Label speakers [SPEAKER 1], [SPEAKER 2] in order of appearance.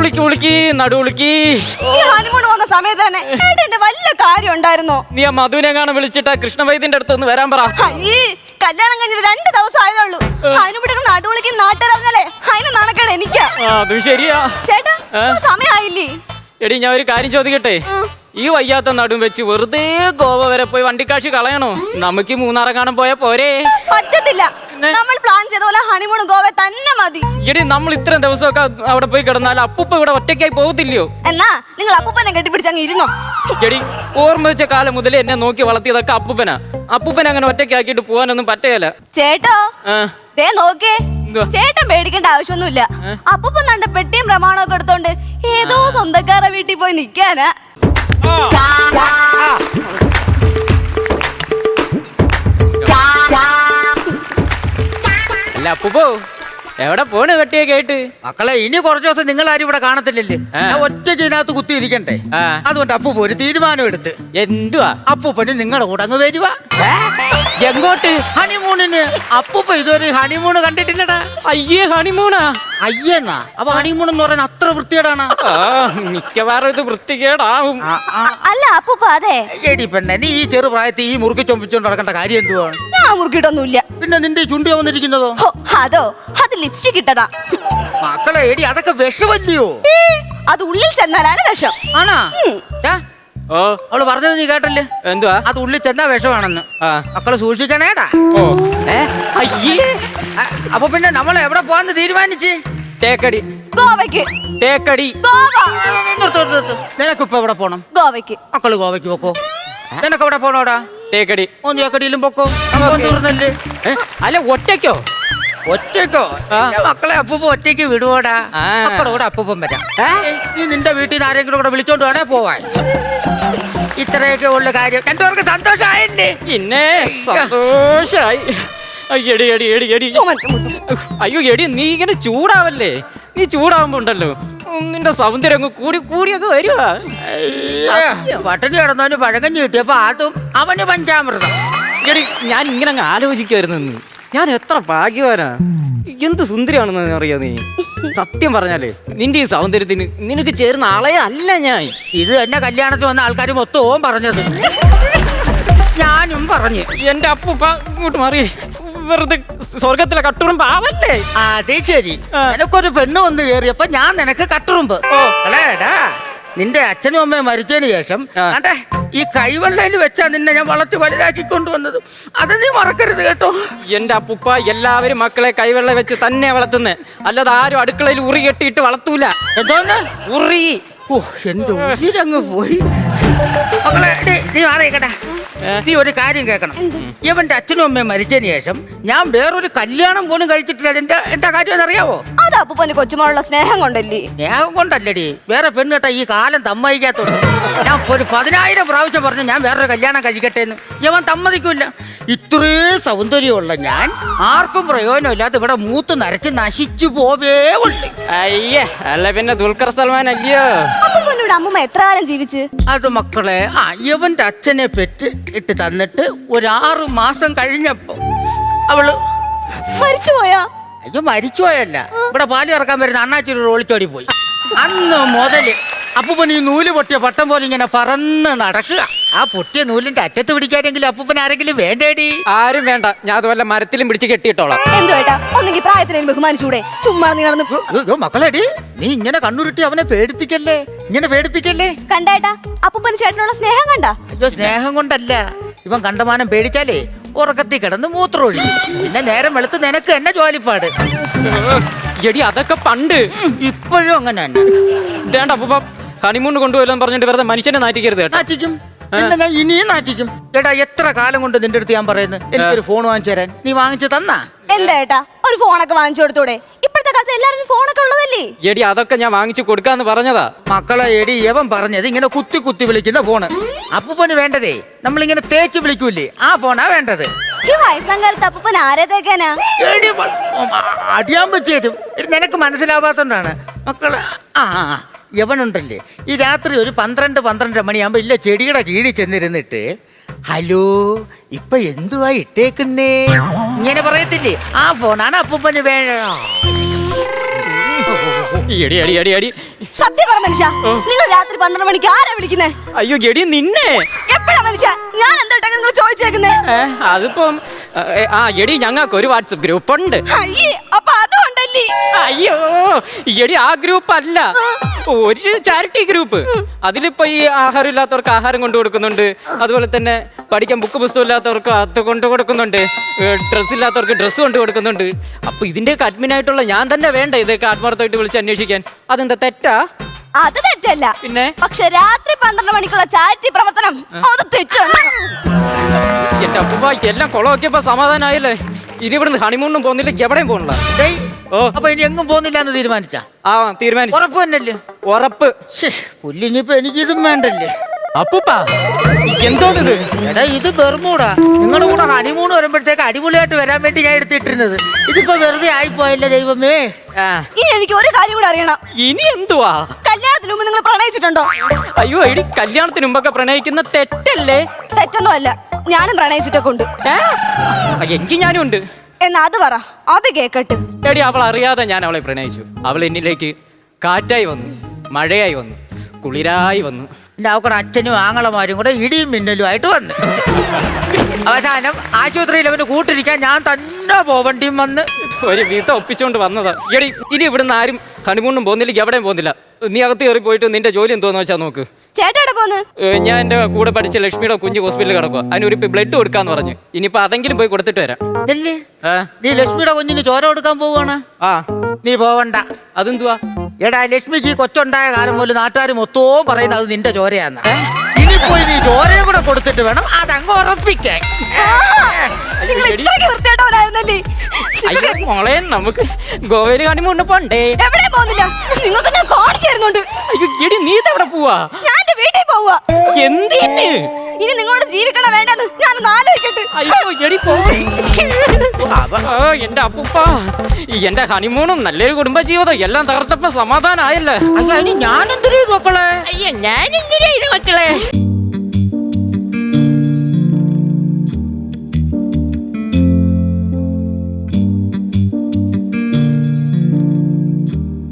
[SPEAKER 1] ഉളുക്കി നടുവുളുക്കി.
[SPEAKER 2] ഈ ഹണിമൂൺ പോകുന്ന സമയത്ത് തന്നെ എന്റെ വലിയ കാര്യം ഉണ്ടായിരുന്നോ?
[SPEAKER 1] നീ ആ മധുവിനെങ്ങാനും വിളിച്ചിട്ട് കൃഷ്ണവൈദ്യന്റെ അടുത്ത് ഒന്ന് വരാൻ പറ.
[SPEAKER 2] ഈ കല്യാണം കഴിഞ്ഞിട്ട് 2 ദിവസം ആയതുള്ളൂ. അതിനുപിടി നടുവുളിക്ക് നാട്ടിറങ്ങലേ, അതിന് നടക്കണേ എനിക്കാ.
[SPEAKER 1] അതും ശരിയാ
[SPEAKER 2] ചേട്ടാ, സമയമായില്ലേ?
[SPEAKER 1] എടി ഞാൻ ഒരു കാര്യം ചോദിക്കട്ടെ, ഈ വയ്യാത്ത നടും വെച്ച് വെറുതെ ഗോവ വരെ പോയി വണ്ടിക്കാശ് കളയണോ? നമുക്ക് മൂന്നാറെങ്ങാനും പോയാ പോരെ?
[SPEAKER 2] പറ്റത്തില്ല, നമ്മൾ പ്ലാൻ ചെയ്ത പോലെ ഹണിമൂൺ ഗോവ തന്നെ മതി.
[SPEAKER 1] എടി നമ്മൾ ഇത്രയും ദിവസമൊക്കെ അവിടെ പോയി കിടന്നാൽ അപ്പൂപ്പ ഇവിടെ ഒറ്റയ്ക്കായി പോകത്തില്ലയോ?
[SPEAKER 2] എന്നാ നിങ്ങൾ അപ്പൂപ്പനെ കെട്ടിപ്പിടിച്ചങ്ങ് ഇരുന്നോ.
[SPEAKER 1] എടി ഓർമ്മ വെച്ച കാലം മുതലേ എന്നെ നോക്കി വളർത്തിയതൊക്കെ അപ്പൂപ്പനെ അങ്ങനെ ഒറ്റയ്ക്കാക്കിട്ട് പോകാനൊന്നും പറ്റുകയില്ല.
[SPEAKER 2] ചേട്ടോ ദേ നോക്കേ, ചേട്ടൻ പേടിക്കേണ്ട ആവശ്യമൊന്നുമില്ല. അപ്പൂപ്പൻ കണ്ട പെട്ടിയും പ്രമാണമൊക്കെ എടുത്തോണ്ട് ഏതോ സ്വന്തക്കാരെ വീട്ടിൽ പോയി നിക്കാനാ.
[SPEAKER 1] അല്ല അപ്പൂപ്പോ എവിടെ പോണ് കെട്ടിയൊക്കെ ആയിട്ട്?
[SPEAKER 3] മക്കളെ, ഇനി കുറച്ചു ദിവസം നിങ്ങൾ ആരും ഇവിടെ കാണത്തില്ലല്ലേ? ഒറ്റയ്ക്ക് ഇതിനകത്ത് കുത്തി ഇരിക്കണ്ടേ? അതുകൊണ്ട് അപ്പൂപ്പ ഒരു തീരുമാനം എടുത്ത്.
[SPEAKER 1] എന്തുവാ?
[SPEAKER 3] അപ്പൂപ്പന് നിങ്ങളുടെ കൂടെ അങ്ങ് വരുക.
[SPEAKER 1] എങ്ങോട്ട്?
[SPEAKER 3] ഹണിമൂണിന്. അപ്പൂപ്പ ഇതൊരു ഹണിമൂണ് കണ്ടിട്ടില്ലടാ.
[SPEAKER 1] അയ്യേ, ഹണിമൂണാ?
[SPEAKER 3] അയ്യെന്നാ? അപ്പൊ ഹണിമൂൺ എന്ന് പറയുന്നത് അത്ര വൃത്തികേടാണ്.
[SPEAKER 1] മിക്കവാറും ഇത് വൃത്തികേടാവും.
[SPEAKER 2] അല്ല അപ്പൂപ്പ, അതെ
[SPEAKER 3] എടി പെണ്ണെ, നീ ഈ ചെറുപ്രായത്തിൽ ഈ മുറുക്കി ചൊമ്പിച്ചോണ്ട് നടക്കേണ്ട കാര്യം എന്തുവാണ്?
[SPEAKER 2] ഞാൻ മുറുക്കിട്ടൊന്നുമില്ല.
[SPEAKER 3] പിന്നെ നിന്റെ ചുണ്ടി വന്നിരിക്കുന്നതോ?
[SPEAKER 2] അതോ, അത് ലിപ്സ്റ്റിക് ഇട്ടതാ.
[SPEAKER 3] മക്കളെ, എടി അതൊക്കെ വിഷമല്ലയോ?
[SPEAKER 2] അത് ഉള്ളിൽ ചെന്നാലാണ് വിഷം.
[SPEAKER 3] ആണാ? അവള് പറഞ്ഞത് നീ കേട്ടല്ലേ?
[SPEAKER 1] എന്തുവാ?
[SPEAKER 3] അത് ഉള്ളിൽ ചെന്നാ വിഷമാണെന്ന്. മക്കളെ സൂക്ഷിക്കണേടാ. അപ്പൊ പിന്നെ നമ്മൾ എവിടെ പോവാന്ന് തീരുമാനിച്ച്?
[SPEAKER 1] തേക്കടി.
[SPEAKER 2] ഗോവയ്ക്ക്.
[SPEAKER 1] തേക്കടി.
[SPEAKER 3] നിനക്കിപ്പോ എവിടെ പോണം?
[SPEAKER 2] ഗോവയ്ക്ക്.
[SPEAKER 3] മക്കള് ഗോവയ്ക്ക് പോക്കോ. നിനക്ക് എവിടെ പോണോടാ?
[SPEAKER 1] തേക്കടി.
[SPEAKER 3] തേക്കടിയിലും പൊക്കോ. തീർന്നല്ലേ?
[SPEAKER 1] അല്ല ഒറ്റയ്ക്കോ?
[SPEAKER 3] ഒറ്റയ്ക്കോ? മക്കളെ അപ്പൂപ്പ ഒറ്റയ്ക്ക് വിടുവോടാ? മക്കളോട് അപ്പൂപ്പൻ വരാം. നീ നിന്റെ വീട്ടിൽ നിന്ന് ആരെങ്കിലും കൂടെ വിളിച്ചോണ്ട് വേണേ പോവാൻ. ഇത്രയൊക്കെ ഉള്ള കാര്യം. രണ്ടുപേർക്ക് സന്തോഷമായില്ലേ?
[SPEAKER 1] പിന്നെ സന്തോഷായി. എടി എടി എടി എടി അയ്യോ എടി, നീ ഇങ്ങനെ ചൂടാവല്ലേ. നീ ചൂടാവുമ്പോ ഉണ്ടല്ലോ നിന്റെ സൗന്ദര്യം അങ്ങ് കൂടിയൊക്കെ വരുവാ.
[SPEAKER 3] പട്ടണി കിടന്നവന് പഴകഞ്ഞു കിട്ടിയപ്പോ അതും അവന് പഞ്ചാമൃതം.
[SPEAKER 1] എടി ഞാൻ ഇങ്ങനെ അങ്ങ് ആലോചിക്കുമായിരുന്നു, ഞാൻ എത്ര ഭാഗ്യവാനാ, എന്ത് സുന്ദരിയാണെന്ന് അറിയാ നീ. സത്യം പറഞ്ഞാലേ നിന്റെ ഈ സൗന്ദര്യത്തിന് നിനക്ക് ചേർന്ന ആളെ അല്ല ഞാൻ.
[SPEAKER 3] ഇത് എന്നെ കല്യാണത്തിന് വന്ന ആൾക്കാർ മൊത്തവും പറഞ്ഞത്. ഞാനും പറഞ്ഞു.
[SPEAKER 1] എന്റെ അപ്പൂപ്പ ഇങ്ങോട്ട് മാറി, വെറുതെ സ്വർഗത്തിലെ കട്ടുറുമ്പ് ആവല്ലേ.
[SPEAKER 3] അതെ ശരി, എനക്കൊരു പെണ്ണ് വന്ന് കയറിയപ്പോ ഞാൻ നിനക്ക് കട്ടുറുമ്പ്. അല്ലേടാ, നിന്റെ അച്ഛനും അമ്മയും മരിച്ചതിന് ശേഷം അതെ ഈ കൈവെള്ളയിൽ വെച്ചാ നിന്നെ ഞാൻ വളർത്തി വലുതാക്കി കൊണ്ടുവന്നത്. അത് നീ മറക്കരുത് കേട്ടോ.
[SPEAKER 1] എന്റെ അപ്പൂപ്പ എല്ലാവരും മക്കളെ കൈവെള്ള വെച്ച് തന്നെ വളർത്തുന്നേ, അല്ലാതെ ആരും അടുക്കളയിൽ ഉറി കെട്ടിയിട്ട് വളർത്തൂല.
[SPEAKER 3] എന്തോന്ന്
[SPEAKER 1] ഉറി?
[SPEAKER 3] ഓ, എന്റെ ഉയിരങ്ങ് പോയി. മക്കളെ, നീ മാറിയേക്കട്ടെ. നീ ഒരു കാര്യം കേൾക്കണം. ഇവന്റെ അച്ഛനും അമ്മയും മരിച്ചതിന് ശേഷം ഞാൻ വേറൊരു കല്യാണം പോലും കഴിച്ചിട്ടില്ല. എന്താ കാര്യം എന്നറിയാവോ?
[SPEAKER 2] അത് അപ്പൂപ്പന് കൊച്ചുമോളുള്ള സ്നേഹം കൊണ്ടല്ലേ?
[SPEAKER 3] സ്നേഹം കൊണ്ടല്ലടി, വേറെ പെണ്ണ് കേട്ടാ ഈ കാലം സമ്മതിക്കാത്തോണ്ട്. ഞാൻ ഒരു 10,000 പ്രാവശ്യം പറഞ്ഞു ഞാൻ വേറൊരു കല്യാണം കഴിക്കട്ടെ എന്ന്. ഇവൻ സമ്മതിക്കൂല. ഇത്രയും സൗന്ദര്യമുള്ള ഞാൻ ആർക്കും പ്രയോജനമില്ലാതെ ഇവിടെ മൂത്ത് നരച്ച് നശിച്ചു പോവേ ഉണ്ട്.
[SPEAKER 1] അയ്യേ, അല്ല പിന്നെ ദുൽഖർ സൽമാൻ അല്ലയോ?
[SPEAKER 2] അപ്പൂപ്പനോട് അമ്മൂമ്മ എത്ര കാലം ജീവിച്ച്?
[SPEAKER 3] അത് മക്കളെ, ഇവന്റെ അച്ഛനെ പെറ്റ് ഇട്ട് തന്നിട്ട് ഒരു 6 മാസം കഴിഞ്ഞപ്പോ അവള്
[SPEAKER 2] മരിച്ചുപോയാ?
[SPEAKER 3] അയ്യോ, മരിച്ചുപോയല്ല, ഇവിടെ പാല് ഇറക്കാൻ വരുന്ന അണ്ണാച്ചിരി ഓളിച്ചോടി പോയി. അന്ന് മുതല് അപ്പൂപ്പൻ ഈ നൂല് പൊട്ടിയ പട്ടം പോലെ ഇങ്ങനെ പറന്ന് നടക്കുക. ആ പൊട്ടിയ നൂലിന്റെ അറ്റത്ത് പിടിക്കാനെങ്കിലും അപ്പൂപ്പൻ ആരെങ്കിലും വേണ്ടേടി?
[SPEAKER 1] ആരും വേണ്ട, ഞാൻ അതുപോലെ മരത്തിലും പിടിച്ച് കെട്ടിയിട്ടോളാം.
[SPEAKER 2] എന്തോ ഏട്ടാ, ഒന്നെങ്കിൽ പ്രായത്തിനും ബഹുമാനിച്ചൂടെ? ചുമ്മാ നീ നടന്നു.
[SPEAKER 3] മക്കളെടി, നീ ഇങ്ങനെ കണ്ണുരുട്ടി അവനെ പേടിപ്പിക്കല്ലേ, ഇങ്ങനെ പേടിപ്പിക്കല്ലേ.
[SPEAKER 2] കണ്ടേട്ടാ, അപ്പൂപ്പന് ചേട്ടനുള്ള സ്നേഹം കണ്ട?
[SPEAKER 3] അയ്യോ, സ്നേഹം കൊണ്ടല്ല, ഇവൻ കണ്ടമാനം പേടിച്ചാലേ ഉറക്കത്തിൽ കിടന്ന് മൂത്രമൊഴി. പിന്നെ നേരം വെളുത്ത് നിനക്ക് എന്നെ ജോലിപ്പാട്.
[SPEAKER 1] എടി അതൊക്കെ പണ്ട്,
[SPEAKER 3] ഇപ്പോഴും അങ്ങനെ തന്നെ.
[SPEAKER 1] വേണ്ട അപ്പൂപ്പ, ഹണിമൂൺ കൊണ്ടുപോയില്ലെന്ന് പറഞ്ഞിട്ട് വെറുതെ മനുഷ്യനെ നാറ്റിക്കരുത് കേട്ടോ.
[SPEAKER 3] നാറ്റിക്കും, എന്താ ഞാൻ ഇനിയും നാറ്റിക്കും. എടാ, എത്ര കാലം കൊണ്ട് നിന്റെ അടുത്ത് ഞാൻ പറയുന്നത് എനിക്കൊരു ഫോൺ വാങ്ങിച്ചു തരാൻ. നീ വാങ്ങിച്ചു തന്നാ?
[SPEAKER 2] എന്താ ഏട്ടാ, ഒരു ഫോണൊക്കെ വാങ്ങിച്ചു കൊടുത്തൂടെ? ഇപ്പോഴത്തെ കാലത്ത് എല്ലാവരും ഫോണൊക്കെ ഉള്ളതല്ലേ?
[SPEAKER 1] എടി അതൊക്കെ ഞാൻ വാങ്ങിച്ചു കൊടുക്കാന്ന് പറഞ്ഞതാ.
[SPEAKER 3] മക്കളെ, എടി യവൻ പറഞ്ഞത് ഇങ്ങനെ കുത്തി കുത്തി വിളിക്കുന്ന ഫോണ്. അപ്പൂപ്പന് വേണ്ടതേ നമ്മളിങ്ങനെ തേച്ച് വിളിക്കൂലേ, ആ ഫോണാ വേണ്ടത്.
[SPEAKER 2] ഈ വയസ്സാം കാലത്ത് അപ്പൂപ്പൻ ആരെ തേക്കാനാ?
[SPEAKER 3] അടിയാൻ പറ്റിയതും നിനക്ക് മനസ്സിലാവാത്തോണ്ടാണ് മക്കളെ. യവനുണ്ടല്ലേ, ഈ രാത്രി ഒരു 12-12 മണിയാകുമ്പോ ഇല്ല ചെടിയുടെ കീഴിൽ ചെന്നിരുന്നിട്ട് ഹലോ ഇപ്പൊ എന്തുവാ ഇട്ടേക്കുന്നേ ഇങ്ങനെ പറയത്തില്ലേ, ആ ഫോണാണ് അപ്പൂപ്പന് വേണം.
[SPEAKER 1] എടി എടി എടി എടി
[SPEAKER 2] സത്യം പറ മനുഷ്യ, നിങ്ങൾ രാത്രി 12 മണിക്ക് ആരാ വിളിക്കുന്നേ?
[SPEAKER 1] അയ്യോ എടി നിന്നെ.
[SPEAKER 2] എപ്പോഴാ മനുഷ്യ ഞാൻ എന്താ നിങ്ങൾ ചോദിച്ചേക്കുന്നേ?
[SPEAKER 1] അതിപ്പം എടി ഞങ്ങൾക്ക് ഒരു വാട്സപ്പ് ഗ്രൂപ്പ് ഉണ്ട്.
[SPEAKER 2] അയ്യേ, അപ്പൊ അതുകൊണ്ടല്ലേ?
[SPEAKER 1] അയ്യോ എടി ആ ഗ്രൂപ്പ് അല്ല, ഒരു ചാരിറ്റി ഗ്രൂപ്പ്. അതിലിപ്പോ ഈ ആഹാരം ഇല്ലാത്തവർക്ക് ആഹാരം കൊണ്ടു കൊടുക്കുന്നുണ്ട്, അതുപോലെ തന്നെ പഠിക്കാൻ ബുക്ക് പുസ്തകം ഇല്ലാത്തവർക്ക് അത് കൊണ്ടു കൊടുക്കുന്നുണ്ട്, ഡ്രസ്സ് ഇല്ലാത്തവർക്ക് ഡ്രസ്സ് കൊണ്ടു കൊടുക്കുന്നുണ്ട്. അപ്പൊ ഇതിന്റെയൊക്കെ അഡ്മിനായിട്ടുള്ള ഞാൻ തന്നെ വേണ്ട ഇതൊക്കെ ആത്മാർത്ഥമായിട്ട് വിളിച്ച് അന്വേഷിക്കാൻ? അതെന്താ തെറ്റാ?
[SPEAKER 2] അത് തെറ്റല്ല,
[SPEAKER 1] പിന്നെ
[SPEAKER 2] പക്ഷെ രാത്രി 12 മണിക്കുള്ള ചാരിറ്റി പ്രവർത്തനം അത് തെറ്റാണ്.
[SPEAKER 1] എന്റെ അപ്പൂപ്പ എല്ലാം കുളമൊക്കെയപ്പോ സമാധാനമായില്ലേ? ഇനി ഇവിടുന്ന് ഹണിമൂണും പോകുന്നില്ല, എവിടെയും പോകണില്ല.
[SPEAKER 3] അപ്പൊ ഇനി എങ്ങും പോകുന്നില്ല എന്ന് തീരുമാനിച്ച?
[SPEAKER 1] തീരുമാനിച്ചു.
[SPEAKER 3] ഉറപ്പ് തന്നെയല്ലേ?
[SPEAKER 1] ഉറപ്പ്.
[SPEAKER 3] പുല്ലിനിപ്പോ എനിക്കിതും വേണ്ടല്ലേ?
[SPEAKER 1] അപ്പൂപ്പ എന്തോന്നിത്?
[SPEAKER 3] എടാ ഇത് ബെർമൂടാ. നിങ്ങളുടെ കൂടെ ഹണിമൂണ് വരുമ്പോഴത്തേക്ക് അടിപൊളിയായിട്ട് വരാൻ വേണ്ടി ഞാൻ എടുത്തിട്ടിരുന്നത്. ഇതിപ്പോ വെറുതെ ആയിപ്പോയല്ലേ ദൈവമേ.
[SPEAKER 2] ഇനി എനിക്ക് ഒരു കാര്യം കൂടെ അറിയണം.
[SPEAKER 1] ഇനി എന്തുവാ?
[SPEAKER 2] കല്യാണത്തിന് മുമ്പ് നിങ്ങൾ പ്രണയിച്ചിട്ടുണ്ടോ?
[SPEAKER 1] അയ്യോ എടി കല്യാണത്തിന് മുമ്പൊക്കെ പ്രണയിക്കുന്ന തെറ്റല്ലേ?
[SPEAKER 2] തെറ്റൊന്നും അല്ല, ഞാനും പ്രണയിച്ചിട്ടൊക്കെ ഉണ്ട്.
[SPEAKER 1] എങ്കിൽ ഞാനും ഉണ്ട്.
[SPEAKER 2] എന്നാ അത് പറ, അത് കേക്കട്ട്.
[SPEAKER 1] എടി അവൾ അറിയാതെ ഞാൻ അവളെ പ്രണയിച്ചു. അവൾ എന്നിലേക്ക് കാറ്റായി വന്നു, മഴയായി വന്നു, കുളിരായി വന്നു.
[SPEAKER 3] അവക്കടെ അച്ഛനും ആങ്ങളമാരും കൂടെ ഇടിയും മിന്നലും ആയിട്ട് വന്ന് അവസാനം ആശുപത്രിയിൽ അവന് കൂട്ടിരിക്കാൻ ഞാൻ തന്നെ പോവണ്ടിയും വന്ന്
[SPEAKER 1] ഒരു വിധം ഒപ്പിച്ചുകൊണ്ട് വന്നതാ. എടി ഇനി ഇവിടുന്ന് ആരും ഹണിമൂണും പോകുന്നില്ല, എവിടെയും പോകുന്നില്ല. നീ അകത്ത് കയറി പോയിട്ട് നിന്റെ ജോലി എന്തോന്ന് വെച്ചാൽ നോക്ക്.
[SPEAKER 2] ചേട്ടാ പോന്ന്?
[SPEAKER 1] ഞാൻ എന്റെ കൂടെ പഠിച്ച ലക്ഷ്മിയുടെ കുഞ്ഞ് ഹോസ്പിറ്റലിൽ കിടക്കുക. അതിനൊരു ബ്ലഡ് കൊടുക്കാന്ന് പറഞ്ഞു. ഇനിയിപ്പോ അതെങ്കിലും പോയി കൊടുത്തിട്ട് വരാം.
[SPEAKER 3] നീ ലക്ഷ്മിയുടെ കുഞ്ഞിന് ചോര കൊടുക്കാൻ പോവാണ്? നീ പോവണ്ട.
[SPEAKER 1] അതെന്തുവാ?
[SPEAKER 3] എടാ ലക്ഷ്മിക്ക് ഈ കൊച്ചുണ്ടായ കാലം പോലും നാട്ടുകാർ മൊത്തവും പറയുന്നത് അത് നിന്റെ ചോരയാന്ന്. ഇനിയിപ്പോയി നീ ചോരയും കൂടെ കൊടുത്തിട്ട് വേണം അതങ്ങ് ഉറപ്പിക്കാൻ.
[SPEAKER 1] അയ്യോ മോളെ, നമുക്ക് ഗോവയിൽ ഹണിമൂണിന് പോണ്ടേ?
[SPEAKER 2] എവിടെ പോകുന്നില്ല, നിങ്ങൾക്ക് ഞാൻ കാണിച്ചു തരുന്നുണ്ട്.
[SPEAKER 1] അയ്യോ എടി നീ ഇതെവിടെ പോവാ?
[SPEAKER 2] ഞാൻ എന്റെ വീട്ടിൽ പോവാ.
[SPEAKER 1] എന്തിന്?
[SPEAKER 2] ഇനി നിങ്ങളോട് ജീവിക്കണ വേണ്ടെന്ന് ഞാനൊന്ന് ആലോചിക്കട്ടെ.
[SPEAKER 1] അയ്യോ എടി പോ. എന്റെ അപ്പൂപ്പ എന്റെ ഹണിമൂണും നല്ലൊരു കുടുംബജീവിതം എല്ലാം തകർത്തപ്പോ സമാധാനമായല്ലേ?
[SPEAKER 3] ഞാനെന്തിനാ മക്കളെ?
[SPEAKER 1] അയ്യോ ഞാനെന്തിനാ ഇത് മക്കളെ?